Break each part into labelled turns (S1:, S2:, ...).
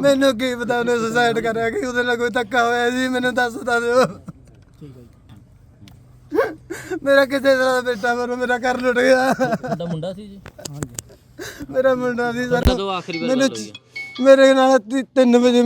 S1: ਮੈਨੂੰ ਕੀ ਪਤਾ ਉਹਨੇ ਸੁਸਾਇਡ ਕਰਿਆ ਕਿ ਉਹਦੇ ਨਾਲ ਕੋਈ ਧੱਕਾ ਹੋਇਆ ਜੀ, ਮੈਨੂੰ ਦੱਸ ਦਿਓ। ਮੇਰਾ ਕਿਸੇ ਤਰ੍ਹਾਂ ਦਾ ਬੇਟਾ ਮੇਰਾ ਘਰ ਲੁੱਟ ਗਿਆ।
S2: ਤੁਹਾਡਾ ਮੁੰਡਾ ਸੀ ਜੀ?
S1: ਮੇਰਾ ਮੁੰਡਾ ਸੀ ਸਰ।
S2: ਕਦੋਂ ਆਖਰੀ ਵਾਰ ਗੱਲ ਹੋਈ ਹੈ?
S1: ਮੇਰੇ ਨਾਲ 3 ਵਜੇ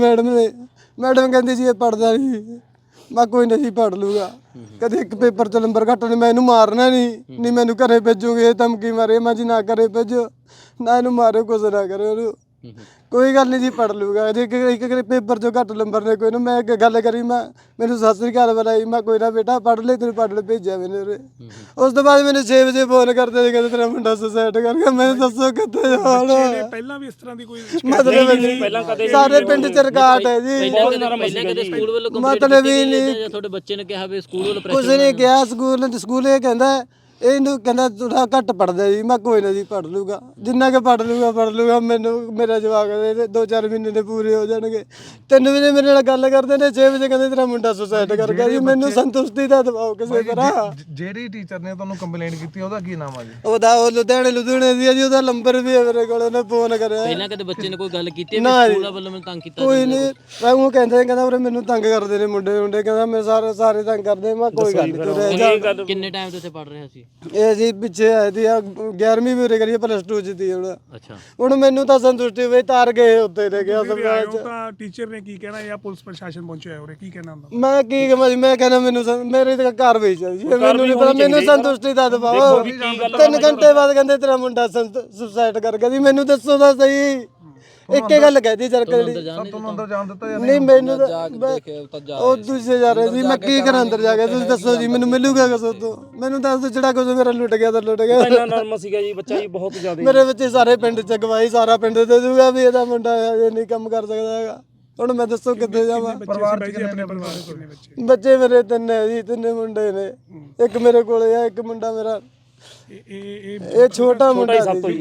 S1: ਮੈਡਮ ਕਹਿੰਦੀ ਸੀ ਇਹ ਪੜ੍ਹਦਾ ਨਹੀਂ। ਮੈਂ ਕੋਈ ਨਹੀਂ ਪੜ੍ਹ ਲੂਗਾ, ਕਦੇ ਇੱਕ ਪੇਪਰ 'ਚ ਨੰਬਰ ਘੱਟ ਨਹੀਂ, ਮੈਂ ਇਹਨੂੰ ਮਾਰਨਾ ਨਹੀਂ ਮੈਨੂੰ ਘਰੇ ਭੇਜੂਗੇ। ਇਹ ਧਮਕੀ ਮਾਰੇ ਮੈਂ ਜੀ, ਨਾ ਘਰੇ ਭੇਜੋ, ਨਾ ਇਹਨੂੰ ਮਾਰਿਓ, ਕੁਛ ਨਾ ਕਰਿਓ ਉਹਨੂੰ, ਕੋਈ ਗੱਲ ਨਹੀਂ ਜੀ ਪੜ੍ਹ ਲੂਗਾ। ਇੱਕ ਪੇਪਰ 'ਚੋਂ ਘੱਟ ਨੰਬਰ ਨੇ ਕੋਈ ਨਾ। ਮੈਂ ਇੱਕ ਗੱਲ ਕਰੀ, ਮੈਨੂੰ ਸਤਿ ਸ੍ਰੀ ਅਕਾਲ ਬੁਲਾਈ, ਮੈਂ ਕੋਈ ਨਾ ਬੇਟਾ ਪੜ੍ਹ ਲੈ, ਤੈਨੂੰ ਪੜ੍ਹ ਲੈ ਭੇਜਿਆ ਮੈਨੂੰ ਉਰੇ। ਉਸ ਤੋਂ ਬਾਅਦ ਮੈਨੂੰ 6 ਵਜੇ ਫੋਨ ਕਰਦੇ ਸੀ, ਕਹਿੰਦੇ ਤੇਰਾ ਮੁੰਡਾ ਸੁਸਾਇਡ ਕਰ ਗਿਆ। ਮੈਂ ਦੱਸੋ ਕਿੱਥੇ ਜਾਣਾ?
S3: ਪਹਿਲਾਂ ਵੀ ਇਸ ਤਰ੍ਹਾਂ ਦੀ ਕੋਈ
S1: ਮਤਲਬ ਸਾਰੇ ਪਿੰਡ 'ਚ ਰਿਕਾਰਡ ਹੈ ਜੀ।
S2: ਪਹਿਲਾਂ ਕਦੇ ਸਕੂਲ ਵੱਲੋਂ
S1: ਮਤਲਬ ਹੀ ਨਹੀਂ,
S2: ਜਾਂ ਤੁਹਾਡੇ ਬੱਚੇ ਨੇ ਕਿਹਾ ਵੀ ਸਕੂਲ ਵੱਲੋਂ
S1: ਕੁਛ ਨਹੀਂ ਕਿਹਾ। ਸਕੂਲ ਇਹ ਕਹਿੰਦਾ, ਇਹਨੂੰ ਕਹਿੰਦਾ ਥੋੜਾ ਘੱਟ ਪੜ੍ਹਦਾ ਜੀ। ਮੈਂ ਕੋਈ ਨਾ ਜੀ ਪੜ੍ਹ ਲੂਗਾ, ਜਿੰਨਾ ਕਿ ਪੜ੍ਹ ਲੂਗਾ। ਮੈਨੂੰ ਮੇਰਾ ਜਵਾਕ 2-4 ਮਹੀਨੇ ਦੇ ਪੂਰੇ ਹੋ ਜਾਣਗੇ। 3 ਵਜੇ ਮੇਰੇ ਨਾਲ ਗੱਲ ਕਰਦੇ ਨੇ, 6 ਵਜੇ ਕਹਿੰਦੇ ਤੇਰਾ ਮੁੰਡਾ ਸੁਸਾਇਡ ਕਰ ਗਿਆ ਜੀ। ਮੈਨੂੰ ਸੰਤੁਸ਼ਟੀ ਦਾ ਦਬਾਓ ਕਿਸੇ ਤਰ੍ਹਾਂ।
S4: ਜਿਹੜੀ ਟੀਚਰ ਨੇ ਤੁਹਾਨੂੰ ਕੰਪਲੇਂਟ ਕੀਤੀ ਉਹਦਾ ਕੀ ਨਾਮ ਆ ਜੀ?
S1: ਉਹ ਲੁਧਿਆਣੇ ਦੀ ਆ ਜੀ। ਉਹਦਾ ਨੰਬਰ ਵੀ ਹੈ ਮੇਰੇ ਕੋਲ, ਉਹਨੇ ਫੋਨ ਕਰਿਆ।
S2: ਪਹਿਲਾਂ ਕਦੇ ਬੱਚੇ ਨੇ ਕੋਈ ਗੱਲ ਕੀਤੀ ਹੈ ਸਕੂਲ ਵੱਲੋਂ ਮੈਨੂੰ ਤੰਗ ਕੀਤਾ?
S1: ਕੋਈ ਨਹੀਂ, ਮੈਂ ਉਹ ਕਹਿੰਦਾ ਉਰੇ ਮੈਨੂੰ ਤੰਗ ਕਰਦੇ ਨੇ ਮੁੰਡੇ ਕਹਿੰਦਾ ਮੈਂ ਸਾਰੇ ਤੰਗ ਕਰਦੇ। ਮੈਂ ਕੋਈ ਗੱਲ ਨਹੀਂ।
S2: ਕਿੰਨੇ ਟਾਈਮ ਤੋਂ ਇੱਥੇ ਪੜ੍ਹ ਰਿਹਾ ਸੀ
S1: ਇਹ ਜੀ? ਪਿੱਛੇ ਆਏ ਸੀ 11ਵੀਂ ਵੀ ਉਰੇ ਕਰੀ, +2 ਚ ਸੀ ਹੁਣ।
S2: ਅੱਛਾ,
S1: ਹੁਣ ਮੈਨੂੰ ਤਾਂ ਸੰਤੁਸ਼ਟੀ ਹੋਈ, ਤਾਰ ਗਏ ਉੱਤੇ ਲੈ ਗਿਆ ਸਭਰਾਜ ਚ।
S3: ਤਾਂ ਟੀਚਰ ਨੇ ਕੀ ਕਹਿਣਾ ਜਾਂ ਪੁਲਿਸ ਪ੍ਰਸ਼ਾਸਨ ਪਹੁੰਚਿਆ ਉਰੇ, ਕੀ ਕਹਿਣਾ ਹੁੰਦਾ?
S1: ਮੈਂ ਕੀ ਕਹਾਂ ਜੀ, ਮੈਂ ਕਹਿੰਦਾ ਮੈਨੂੰ ਮੇਰੇ ਤੇ ਕਾਰਵਾਈ ਚਾਹੀਦੀ ਹੈ। ਮੈਨੂੰ ਨਹੀਂ ਪਤਾ, ਮੈਨੂੰ ਸੰਤੁਸ਼ਟੀ ਦਾ ਦਬਾਓ। 3 ਘੰਟੇ ਬਾਅਦ ਕਹਿੰਦੇ ਤੇਰਾ ਮੁੰਡਾ ਸੁਸਾਇਡ ਕਰ ਗਿਆ ਜੀ। ਮੈਨੂੰ ਦੱਸੋ ਤਾਂ ਸਹੀ, ਇੱਕ ਗੱਲ ਕਹਿਦੀ ਚਰਕ ਜਿਹੜੀ
S4: ਤੁਹਾਨੂੰ ਅੰਦਰ ਜਾਣ ਦਿੱਤਾ ਜਾਂ
S1: ਨਹੀਂ? ਮੈਨੂੰ ਉਹ ਦੂਜੇ ਜਾ ਰਹੇ ਜੀ। ਮੈਂ ਕੀ ਕਰਾਂ ਅੰਦਰ ਜਾ ਕੇ? ਤੁਸੀਂ ਦੱਸੋ ਜੀ, ਮੈਨੂੰ ਮਿਲੂਗਾ ਕਿਸ ਤੋਂ? ਮੈਨੂੰ ਦੱਸ ਦਿਓ, ਜਿਹੜਾ ਕੁਝ ਮੇਰਾ ਲੁੱਟ ਗਿਆ ਤਾਂ ਲੁੱਟ ਗਿਆ।
S5: ਇੰਨਾ ਨਰਮ ਸੀਗਾ ਜੀ ਬੱਚਾ ਜੀ, ਬਹੁਤ ਜ਼ਿਆਦਾ।
S1: ਮੇਰੇ ਬੱਚੇ ਸਾਰੇ ਪਿੰਡ ਚ ਗਵਾਹੀ, ਸਾਰਾ ਪਿੰਡ ਦੇ ਦੂਗਾ ਵੀ ਇਹਦਾ ਮੁੰਡਾ ਇਹ ਨਹੀਂ ਕੰਮ ਕਰ ਸਕਦਾ ਹੈਗਾ। ਹੁਣ ਮੈਂ ਦੱਸੋ ਕਿੱਥੇ ਜਾਵਾਂ?
S4: ਪਰਿਵਾਰ ਚ ਕਿੰਨੇ
S1: ਬੱਚੇ ਮੇਰੇ 3 ਹੈ ਜੀ, 3 ਮੁੰਡੇ ਨੇ। ਇੱਕ ਮੇਰੇ ਕੋਲੇ ਆ, ਇੱਕ ਮੁੰਡਾ ਮੇਰਾ ਇਹ ਛੋਟਾ ਮੁੰਡਾ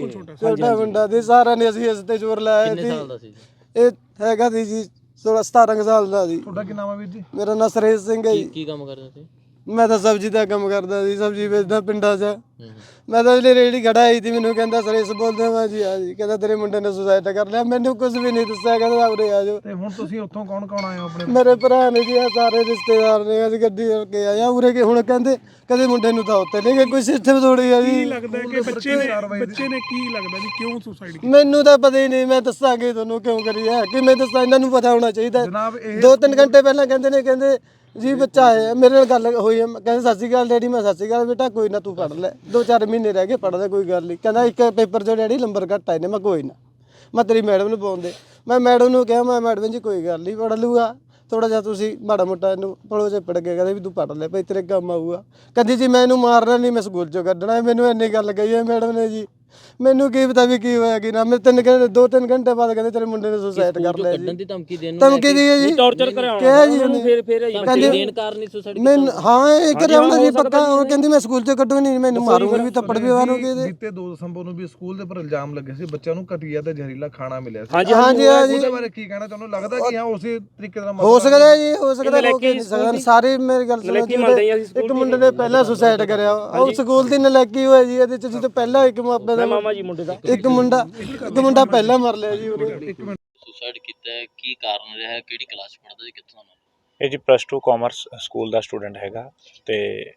S1: ਸੀ। ਸਾਰਾ ਨੇ ਅਸੀਂ ਇਸ ਤੇ ਜ਼ੋਰ ਲਾਇਆ ਸੀ।
S2: ਸਾਲ ਦਾ ਸੀ?
S1: ਇਹ ਹੈਗਾ ਸੀ ਜੀ 16-17 ਸਾਲ ਦਾ ਸੀ।
S4: ਤੁਹਾਡਾ ਕੀ ਨਾਮ ਹੈ ਵੀਰ ਜੀ?
S1: ਮੇਰਾ ਨਾਂ ਸੁਰੇਸ਼ ਸਿੰਘ ਹੈ ਜੀ।
S2: ਕੀ ਕੰਮ ਕਰਦਾ ਸੀ?
S1: ਮੈਂ ਤਾਂ ਸਬਜ਼ੀ ਦਾ ਕੰਮ ਕਰਦਾ ਸੀ, ਸਬਜ਼ੀ ਵੇਚਦਾ ਪਿੰਡਾਂ 'ਚ। ਮੈਂ ਤਾਂ ਜਿਹੜੀ ਰੇਹੜੀ ਖੜਾ ਆਈ ਸੀ, ਮੈਨੂੰ ਕਹਿੰਦਾ ਸੁਰੇਸ਼ ਬੋਲਦੇ। ਮੈਂ ਜੀ ਆ ਜੀ। ਕਹਿੰਦਾ ਤੇਰੇ ਮੁੰਡੇ ਨੇ ਸੁਸਾਇਡ ਕਰ ਲਿਆ। ਮੈਨੂੰ ਕੁਝ ਵੀ ਨਹੀਂ ਦੱਸਿਆ, ਕਹਿੰਦਾ ਉਰੇ ਆ ਜਾਓ।
S4: ਤੇ ਹੁਣ ਤੁਸੀਂ ਉੱਥੋਂ ਕੌਣ ਆਏ ਹੋ ਆਪਣੇ?
S1: ਮੇਰੇ ਭਰਾ ਨੇ ਜੀ, ਸਾਰੇ ਰਿਸ਼ਤੇਦਾਰ ਨੇ। ਅਸੀਂ ਗੱਡੀ ਕਰਕੇ ਆਏ ਆ ਉਰੇ ਕੇ। ਹੁਣ ਕਹਿੰਦੇ ਕਦੇ ਮੁੰਡੇ ਨੂੰ ਤਾਂ ਉੱਤੇ ਨਹੀਂ ਗਏ, ਕੋਈ ਸਿਸਟਮ ਥੋੜੀ ਆ ਜੀ।
S3: ਲੱਗਦਾ ਕਿ ਬੱਚੇ ਨੇ ਕੀ ਲੱਗਦਾ ਜੀ ਕਿਉਂ ਸੁਸਾਇਡ ਕੀਤਾ?
S1: ਮੈਨੂੰ ਤਾਂ ਪਤਾ ਹੀ ਨਹੀਂ। ਮੈਂ ਦੱਸਾਂਗੀ ਤੁਹਾਨੂੰ ਕਿਉਂ ਕਰੀ ਹੈ, ਕਿਵੇਂ ਦੱਸਾਂ? ਇਹਨਾਂ ਨੂੰ ਪਤਾ ਹੋਣਾ ਚਾਹੀਦਾ।
S4: ਜਨਾਬ
S1: 2-3 ਘੰਟੇ ਪਹਿਲਾਂ ਕਹਿੰਦੇ ਜੀ ਬੱਚਾ ਹੈ। ਮੇਰੇ ਨਾਲ ਗੱਲ ਹੋਈ ਹੈ, ਕਹਿੰਦੇ ਸਤਿ ਸ਼੍ਰੀ ਅਕਾਲ ਡੈਡੀ। ਮੈਂ ਸਤਿ ਸ਼੍ਰੀ ਅਕਾਲ ਬੇਟਾ, ਕੋਈ ਨਾ ਤੂੰ ਪੜ੍ਹ ਲੈ, 2-4 ਮਹੀਨੇ ਰਹਿ ਗਏ, ਪੜ੍ਹਦਾ ਕੋਈ ਗੱਲ ਨਹੀਂ। ਕਹਿੰਦਾ ਇੱਕ ਪੇਪਰ 'ਚੋਂ ਡੈਡੀ ਨੰਬਰ ਘੱਟ ਆਏ ਨੇ। ਮੈਂ ਕੋਈ ਨਾ, ਮੈਂ ਤੇਰੀ ਮੈਡਮ ਨੂੰ ਪਾਉਂਦੇ। ਮੈਂ ਮੈਡਮ ਨੂੰ ਕਿਹਾ, ਮੈਂ ਮੈਡਮ ਜੀ ਕੋਈ ਗੱਲ ਨਹੀਂ, ਪੜ੍ਹ ਲੂਗਾ। ਥੋੜਾ ਜਿਹਾ ਤੁਸੀਂ ਮਾੜਾ ਮੋਟਾ ਇਹਨੂੰ ਪੜੋ ਜੇ ਪੜ ਕੇ। ਕਹਿੰਦੇ ਵੀ ਤੂੰ ਪੜ੍ਹ ਲੈ ਭਾਈ, ਤੇਰੇ ਕੰਮ ਆਊਗਾ। ਕਹਿੰਦੀ ਜੀ ਮੈਂ ਇਹਨੂੰ ਮਾਰਨਾ ਨਹੀਂ, ਮੈਂ ਸਕੂਲ 'ਚੋਂ ਕੱਢਣਾ। ਮੈਨੂੰ ਇੰਨੀ ਗੱਲ ਕਹੀ ਹੈ ਮੈਡਮ ਨੇ ਜੀ। ਮੈਨੂੰ ਕੀ ਪਤਾ ਵੀ ਕੀ ਹੋਇਆ ਕੀ ਨਾ। ਮੈਂ 2-3 ਘੰਟੇ ਬਾਅਦ ਕਹਿੰਦੇ ਤੇਰੇ ਮੁੰਡੇ ਨੇ ਸੁਸਾਇਡ ਕਰ ਲਿਆ ਜੀ।
S2: ਕੱਢਣ ਦੀ ਧਮਕੀ ਦੇਣ ਨੂੰ
S1: ਧਮਕੀ ਦੀ ਹੈ ਜੀ,
S5: ਟੌਰਚਰ ਕਰਾਉਣਾ
S1: ਕਿਹਾ ਜੀ ਉਹਨੇ।
S2: ਕਹਿੰਦੇ ਦੇਣ ਕਾਰਨ ਹੀ ਸੁਸਾਇਡ
S1: ਮੈਂ ਹਾਂ ਇਹ ਕਰਾਉਣਾ ਜੀ ਪੱਕਾ। ਉਹ ਕਹਿੰਦੀ ਮੈਂ ਸਕੂਲ 'ਚ ਕੱਢੂਗੀ ਨਹੀਂ, ਮੈਨੂੰ ਮਾਰੂਗੀ ਵੀ, ਥੱਪੜ ਵੀ ਮਾਰੂਗੀ ਇਹਦੇ।
S4: ਬੀਤੇ 2 ਦਸੰਬਰ ਨੂੰ ਵੀ ਸਕੂਲ ਦੇ ਉੱਪਰ ਇਲਜ਼ਾਮ ਲੱਗੇ ਸੀ, ਬੱਚਿਆਂ ਨੂੰ ਘਟੀਆ ਤੇ ਜ਼ਹਿਰੀਲਾ ਖਾਣਾ ਮਿਲਿਆ ਸੀ।
S1: ਹਾਂਜੀ ਜੀ।
S4: ਉਹਦੇ ਬਾਰੇ ਕੀ ਕਹਿਣਾ? ਤੁਹਾਨੂੰ ਲੱਗਦਾ ਕਿ ਹਾਂ ਉਸੇ ਤਰੀਕੇ ਦਾ
S1: ਹੋ ਸਕਦਾ ਜੀ, ਹੋ ਸਕਦਾ। ਸਾਰੇ ਮੇਰੀ ਗੱਲ ਸੁਣੋ ਜੀ। ਇੱਕ ਮੁੰਡੇ ਨੇ ਪਹਿਲਾਂ ਸੁਸਾਇਡ ਕਰਿਆ, ਉਹ ਸਕੂਲ ਦੀ ਨਲਾਇਕੀ ਹੋਈ ਜੀ ਇਹਦੇ 'ਚ। ਜਦੋਂ ਪਹਿਲਾਂ ਇੱਕ ਮਾਪੇ ਦਾ
S5: ਮਾਮਾ ਜੀ ਮੁੰਡੇ ਦਾ
S1: ਇੱਕ ਮੁੰਡਾ ਪਹਿਲਾਂ ਮਰ ਲਿਆ ਜੀ ਉਰੇ।
S2: ਸੁਸਾਇਡ ਕੀਤਾ ਹੈ, ਕੀ ਕਾਰਨ ਰਿਹਾ? ਕਿਹੜੀ ਕਲਾਸ ਪੜ੍ਹਦਾ ਜੀ, ਕਿੱਥੋਂ ਦਾ?
S6: ਇਹ ਜੀ +2 ਕਾਮਰਸ ਸਕੂਲ ਦਾ ਸਟੂਡੈਂਟ ਹੈਗਾ। ਤੇ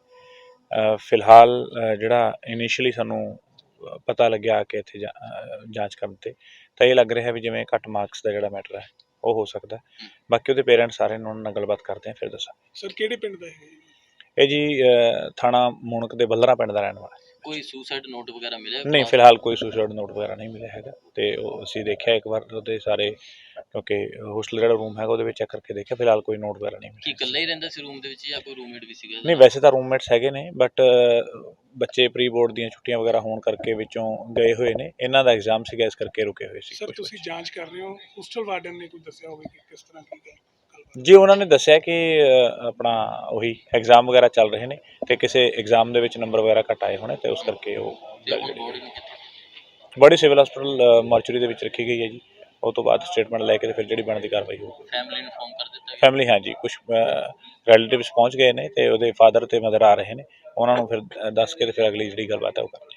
S6: ਫਿਲਹਾਲ ਜਿਹੜਾ ਇਨੀਸ਼ੀਅਲੀ ਸਾਨੂੰ ਪਤਾ ਲੱਗਿਆ ਕਿ ਇੱਥੇ ਜਾਂਚ ਕਰਨ ਤੇ ਤਾਂ ਇਹ ਲੱਗ ਰਿਹਾ ਵੀ ਜਿਵੇਂ ਘੱਟ ਮਾਰਕਸ ਦਾ ਜਿਹੜਾ ਮੈਟਰ ਹੈ ਉਹ ਹੋ ਸਕਦਾ। ਬਾਕੀ ਉਹਦੇ ਪੇਰੈਂਟਸ ਸਾਰੇ ਉਹਨਾਂ ਨਾਲ ਗੱਲਬਾਤ ਕਰਦੇ ਆ, ਫਿਰ ਦੱਸਾਂ।
S3: ਸਰ ਕਿਹੜੇ ਪਿੰਡ ਦਾ ਹੈ
S6: ਇਹ ਜੀ ਥਾਣਾ ਮੂਣਕ ਦੇ ਬੱਲਰਾ ਪਿੰਡ ਦਾ ਰਹਿਣ ਵਾਲਾ।
S2: ਕੋਈ ਸੁਸਾਇਡ ਨੋਟ ਵਗੈਰਾ ਮਿਲਿਆ?
S6: ਨਹੀਂ, ਫਿਲਹਾਲ ਕੋਈ ਸੁਸਾਇਡ ਨੋਟ ਵਗੈਰਾ ਨਹੀਂ ਮਿਲਿਆ ਹੈਗਾ। ਤੇ ਉਹ ਅਸੀਂ ਦੇਖਿਆ ਇੱਕ ਵਾਰ ਉਹਦੇ ਸਾਰੇ, ਕਿਉਂਕਿ ਹੋਸਟਲ ਜਿਹੜਾ ਰੂਮ ਹੈਗਾ ਉਹਦੇ ਵਿੱਚ ਚੈੱਕ ਕਰਕੇ ਦੇਖਿਆ, ਫਿਲਹਾਲ ਕੋਈ ਨੋਟ ਵਗੈਰਾ ਨਹੀਂ ਮਿਲਿਆ।
S2: ਕੀ ਇਕੱਲਾ ਹੀ ਰਹਿੰਦਾ ਸੀ ਰੂਮ ਦੇ ਵਿੱਚ ਜਾਂ ਕੋਈ ਰੂਮਮੇਟ ਵੀ ਸੀਗਾ?
S6: ਨਹੀਂ, ਵੈਸੇ ਤਾਂ ਰੂਮਮੇਟਸ ਹੈਗੇ ਨੇ, ਬਟ ਬੱਚੇ ਪ੍ਰੀ ਬੋਰਡ ਦੀਆਂ ਛੁੱਟੀਆਂ ਵਗੈਰਾ ਹੋਣ ਕਰਕੇ ਵਿੱਚੋਂ ਗਏ ਹੋਏ ਨੇ। ਇਹਨਾਂ ਦਾ ਐਗਜ਼ਾਮ ਸੀਗਾ, ਇਸ ਕਰਕੇ ਰੁਕੇ ਹੋਏ ਸੀ।
S3: ਸਰ ਤੁਸੀਂ ਜਾਂਚ ਕਰ ਰਹੇ ਹੋ, ਹੋਸਟਲ ਵਾਰਡਨ ਨੇ ਕੁਝ ਦੱਸਿਆ ਹੋਵੇ ਕਿ ਕਿਸ ਤਰ੍ਹਾਂ ਕੀ ਗੱਲ?
S6: ਜੀ ਉਹਨਾਂ ਨੇ ਦੱਸਿਆ ਕਿ ਆਪਣਾ ਉਹੀ ਐਗਜ਼ਾਮ ਵਗੈਰਾ ਚੱਲ ਰਹੇ ਨੇ ਤੇ ਕਿਸੇ ਐਗਜ਼ਾਮ ਦੇ ਵਿੱਚ ਨੰਬਰ ਵਗੈਰਾ ਘੱਟ ਆਏ ਹੋਣੇ ਤੇ ਉਸ ਕਰਕੇ ਉਹ ਬੜੀ ਸਿਵਲ ਹਸਪਤਾਲ ਮਾਰਚਰੀ ਦੇ ਵਿੱਚ ਰੱਖੀ ਗਈ ਹੈ ਜੀ। ਉਹ ਤੋਂ ਬਾਅਦ ਸਟੇਟਮੈਂਟ ਲੈ ਕੇ ਤੇ ਫਿਰ ਜਿਹੜੀ ਬਣਦੀ ਕਾਰਵਾਈ ਹੋਊਗੀ।
S2: ਫੈਮਿਲੀ ਨੂੰ ਇਨਫੋਰਮ ਕਰ ਦਿੱਤਾ?
S6: ਫੈਮਿਲੀ ਹਾਂਜੀ, ਕੁਝ ਰਿਲੇਟਿਵਸ ਪਹੁੰਚ ਗਏ ਨੇ ਤੇ ਉਹਦੇ ਫਾਦਰ ਤੇ ਮਦਰ ਆ ਰਹੇ ਨੇ। ਉਹਨਾਂ ਨੂੰ ਫਿਰ ਦੱਸ ਕੇ ਤੇ ਫਿਰ ਅਗਲੀ ਜਿਹੜੀ ਗੱਲਬਾਤ ਹੈ ਉਹ